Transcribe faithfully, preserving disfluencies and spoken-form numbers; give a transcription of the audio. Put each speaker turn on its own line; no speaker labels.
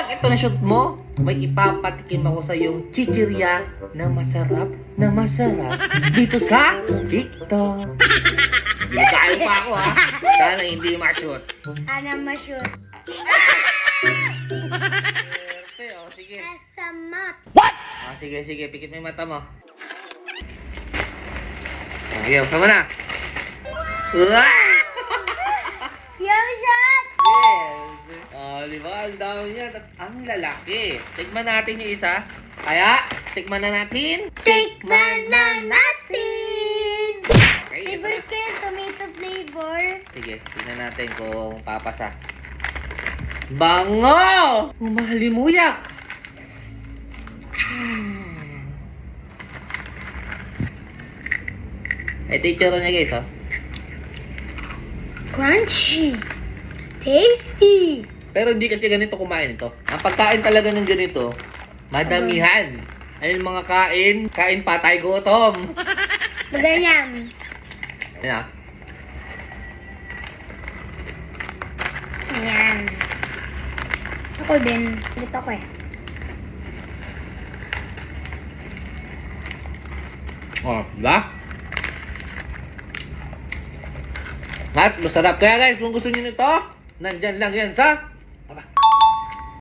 lang ito na shoot mo, may ipapatikim ako sa yung chichirya na masarap na masarap dito sa TikTok. Binigay pa ako ha. Sana hindi ma-shoot.
Ana ma-shoot.
Okay, oh, sige.
Asamat.
Ah, sige, sige. Pikit mo yung mata mo. Ah, sige, usama na. Wow!
Yum shot!
Yes! Oh, di ba? Ang dami niya. Tapos, ang lalaki. Tikman natin yung isa. Kaya, tikman na natin.
Tikman na natin!
Okay, ito na.
Favorite ko yung tomato flavor.
Sige, tignan natin kung papasa. Bango! Umahalimuyak! Hmm. Ito yung tsura niya guys, oh.
Crunchy. Tasty.
Pero hindi kasi ganito kumain ito. Ang pagkain talaga ng ganito, madamihan. Ayun mga kain, kain patay gutom.
Maganyan.
Ayan ah.
Ayan. Ako din. Dito ko eh.
Oh, diba? Mas masarap. Kaya guys, kung gusto niyo nito, nandyan lang yan sa